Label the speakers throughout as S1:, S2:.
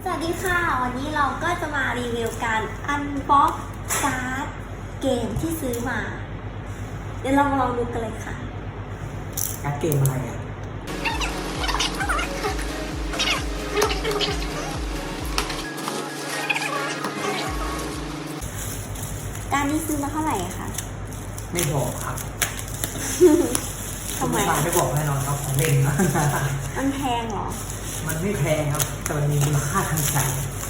S1: สวัสดีค่ะวันนี้เราก็จะมารีวิวการอันบ็อกการ์ดเกมที่ซื้อมาเดี๋ยวลองดูกันเลยค่ะ
S2: การ์ดเกมอะไรอ่ะ
S1: การนี้ซื้อมาเท่าไหร่คะ
S2: ไม่บอกครับ
S1: ทำไม
S2: ไม่บอกแน่นอนครับของเล่นนะ
S1: มันแพงเหรอ
S2: มันไม่แพงครับแต่มันมีมูลค่าทางใจ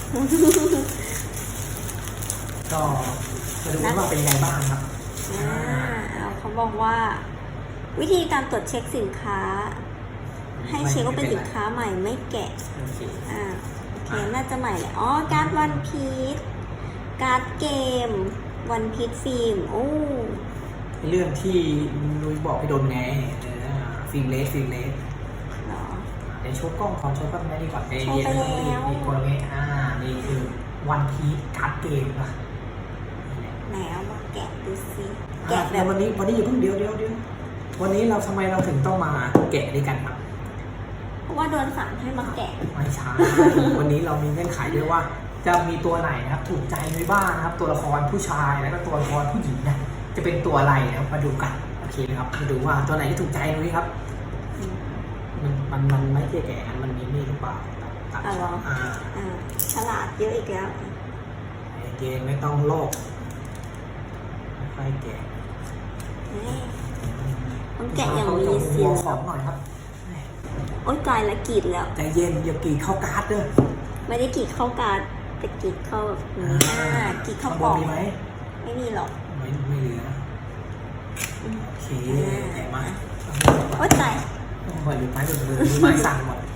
S2: ก็มาดูว่าเป็นยังไงบ้างครับ
S1: เขาบอกว่า วิธีการตรวจเช็คสินค้า ให้เช็คว่าเป็นสินค้าใหม่ไม่แกะโอเคน่าจะใหม่เลยอ๋อการ์ดวันพีซการ์ดเกมวันพีซฟิล์มโอ้
S2: เรื่องที่นุ้ยบอกให้โดนไงฟิล์มเลส
S1: หรอ
S2: เดี๋ยวโชว์กล้องก่อนโชว์กล้องไม่ดีกว่าเ
S1: โชว์ไปแล้ว
S2: มีคนเมนี่คือวันพีซการ์ดเกมนะ
S1: ไหนเอามาแกะดูสิ
S2: แกะแบบวันนี้อย่าเพิ่งเดี๋ยววันนี้เราทำไมเราถึงต้องมาแกะด้วยกันครับ
S1: เพราะว่าโดนสั่งให้มาแกะ
S2: ไม่ใช่ วันนี้เรามีเงื่อนไขด้วยว่าจะมีตัวไหนนะครับถูกใจนุ้ยบ้างนะครับตัวละครผู้ชายแล้วก็ตัวละครผู้หญิงนะจะเป็นตัวอะไรนะครับมาดูกันโอเคนะครับมาดูว่าตัวไหนที่ถูกใจนุ้ยครับมันไม่แก่มันมีนี่หรือเปล่า
S1: ฉลาดเยอะอีกแล้ว
S2: เกมไม่ต้องโลกไม่แก่
S1: ต้องแกะอย่างมีเสียง
S2: ของหน่อยครับ
S1: โอ๊ยกายละกรีดแล้ว
S2: ใจเย็นอย่ากรีดเข้าการ์ดเด้อ
S1: ไม่ได้กรีดเข้าการ์ดแต่กรีดเข้าแบบนี้กรีดเข้าปอก
S2: มีไหม
S1: ไม่มีหรอก
S2: ไม่เหลือโอเคแกะมา
S1: โอ๊ยใจ
S2: หมดหรือไม้หมดเลยไม้สั่งหมด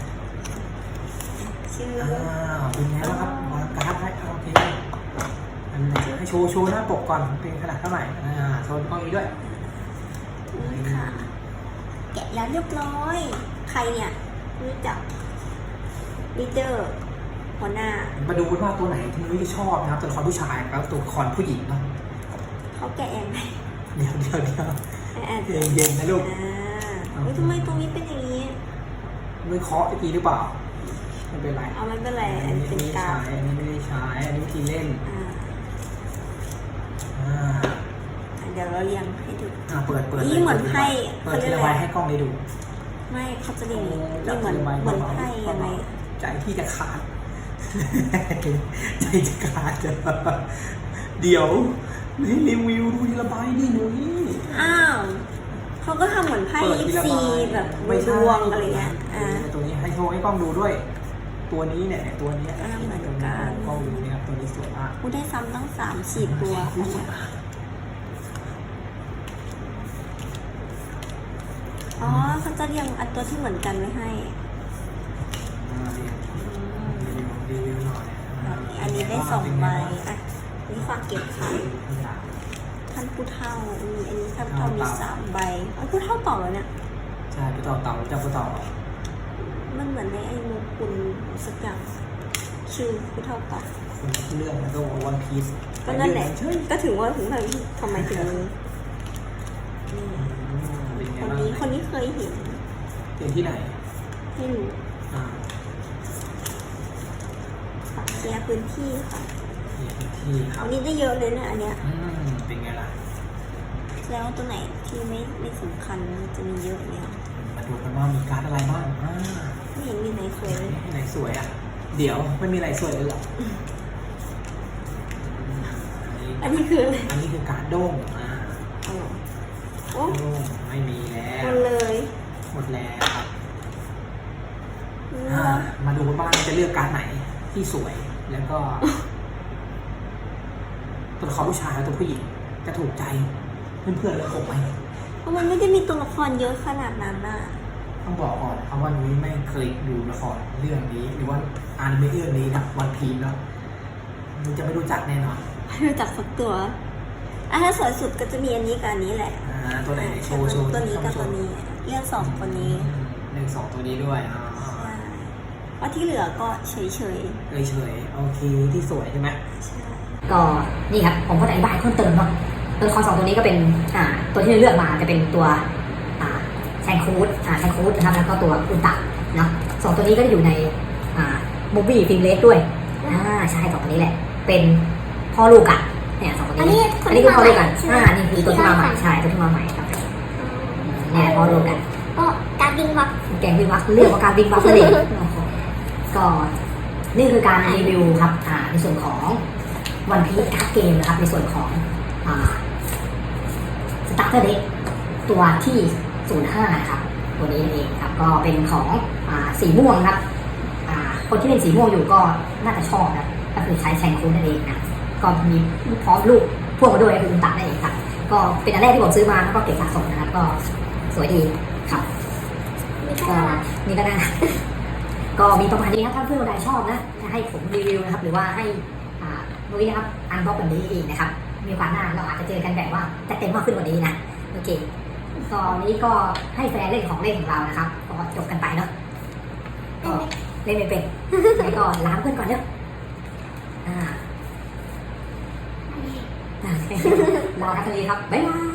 S1: ชื่อ
S2: เป็นไงบ้างครับวางการ์ดให้โอเคอันไหนให้โชว์หน้าปกก่อนเป็นขนาดเท่าไหร่โชว์กล้องนี้ด้วย
S1: นี่ค่ะแกะแล้วเรียบร้อยใครเนี่ยรู้จักลีดเดอร์หัวหน้า
S2: มาดูว่าตัวไหนที่นุ้ยชอบนะครับตัวละครผู้ชายแล้วตัวละครผู้หญิงเนาะ
S1: เขาแกะยังไง
S2: เดี๋ยวเย็นนะลูก
S1: ทำไมตรงนี้เป็นอย่างนี้
S2: นุ้ยเคาะอีกหรือเปล่าไม่เป็นไร
S1: ไม่เป็นไรอันนี้เป็นการ
S2: อันนี้ไม่ได้ใช้อันนี้วิธีเล่น
S1: เดี๋ยวเราเรียงให้ดู
S2: เปิด
S1: นี่เหมือนไพ่
S2: เปิดทีละใบให้กล้องได้ดู
S1: ไม่เขาจะเรียงนี่เหมือนไพ่ยังไง
S2: ใจที่จะขาดใจจะขาดเดี๋ยวให้รีวิวดูทีละใบนี่หนูนี่
S1: เขาก็ทำเหมือนไพ่ยิปซีแบบดวงอะไรเงี้ย
S2: ตัวนี้ให้โชว์ให้กล้องดูด้วยตัวนี้เนี่ยตัวนี้
S1: เหมือนกัน
S2: กล้องดูเนี่ยตัวนี้สวยมาก
S1: กูได้ซ้ำตั้ง3-4 ตัวอ๋อเขาจะเรียงอันตัวที่เหมือนกันไว้ให้
S2: รีวิวหน่อย
S1: อันนี้ได้2 ใบนี่ฝากเก็บค่ะท่านผู้เฒ่าอันนี้ท่านผู้เฒ่ามี3 ใบผู้เฒ่าต่อแล้วเนี่ย
S2: ใช่ผู้เฒ่าเต่าเจ้าผู้เฒ่า
S1: มันเหมือนในไอ้โมกุลสักอย่างชื่อผู้เฒ่าต่อ
S2: เรื่องแล้วก็วันพีซ
S1: ก็นั่นแหละก็ถึงว่าถึงทำไมถึงคนนี้เคยเห็น
S2: ที่ไหน
S1: ไม่รู้เคลียร์พื้นที่ค่ะอันนี้ได้เยอะเลยนะอันเนี้ย
S2: เป็นไงล่ะ
S1: แล้วตัวไหนที่ไม่สำคัญจะมีเยอะเนี่ย
S2: มาดูกันว่ามีการ์ดอะไรบ้าง
S1: ไม่เห็นมีไหนสวยเลย
S2: ไหนสวยอ่ะเดี๋ยวไม่มีอะไรสวยเลยหรอ
S1: อันนี้คือ
S2: การ์ดโด่ง
S1: โอ้
S2: ไม่มีแล้ว
S1: หมด
S2: แล้วครับมาดูกันว่าจะเลือกการ์ดไหนที่สวยแล้วก็ตัวละครผู้ชายและตัวผู้หญิงจะถูกใจเพื่อนๆและผมไหม
S1: เพราะมันไม่ได้มีตัวละครเยอะขนาดนั้นน่ะ
S2: ต้องบอกก่อนคำว่านุ้ยไม่เคยดูละครเรื่องนี้หรือว่าอ่านเรื่องนี้นะวันพีซแล้วนุ้ยจะไม่รู้จักแน่นอน
S1: ไม่รู้จักสักตัวถ้าสวยสุดก็จะมีอันนี้กับอันนี้แหละ
S2: ตัวไหนโชว์
S1: ตัวนี้กับตัวนี้เลือก2 ตัวนี้
S2: 2 ตัวนี้ด้วย
S1: ว่าที่เหลือก็เฉย
S2: โอเคที่สวยใช่ไหม
S3: ก็นี่ครับผมก็อธิบายเพิ่มเติมเนาะตัวละคร2 ตัวนี้ก็เป็นตัวที่เลือกมาจะเป็นตัวแซนคูดนะครับแล้วก็ตัวอุลตร้าเนาะ2 ตัวนี้ก็จะอยู่ในโมบี้ฟิล์มเลสด้วยใช่สองคนนี้แหละเป็นพ่อลูกกันเนี่ยสองคน
S1: อัน
S3: นี้
S1: นี้
S3: อันนี้คือพ่อลูกกัน
S1: ใช่ไหม
S3: นี่คือตัวที่มาใหม่ใช่ตัวที่มาใหม่ครับเนี่ยพ่อลูกกัน
S1: ก็การบิงวัก
S3: แกงวิงวักเรื่องของการวิงวักนั่นเองก็นี่คือการรีวิวครับในส่วนของวันพีซการ์ดเกมนะครับในส่วนของสตาร์เตอร์เด็กตัวที่ 05 นะครับตัวนี้เองครับก็เป็นของสีม่วงครับคนที่เล่นสีม่วงอยู่ก็น่าจะชอบนะก็คือใช้แชงคูนั่นเองนะก็มีพร้อมลูกพ่วงมาด้วยคืออุลตร้านั่นเองครับก็เป็นอันแรกที่ผมซื้อมาแล้วก็เก็บสะสมนะครับก็สวยดีครับก็นี่ก็น่าก็มีประมาณนี้ครับถ้าเพื่อนคนใดชอบนะจะให้ผมรีวิวนะครับหรือว่าให้นุ้ยนะครับอันบล็อกแบบนี้อีกนะครับมีความหน้าเราอาจจะเจอกันแบบว่าจะเต็มมากขึ้นกว่านี้นะโอเคตอนนี้ก็ให้แฟนเล่นของเล่นของเรานะครับก็จบกันไปเนาะก็เล่นไม่เป็นแล้วก็ล้างเพื่อนก่อนเนาะรอทักทายครับบ๊ายบาย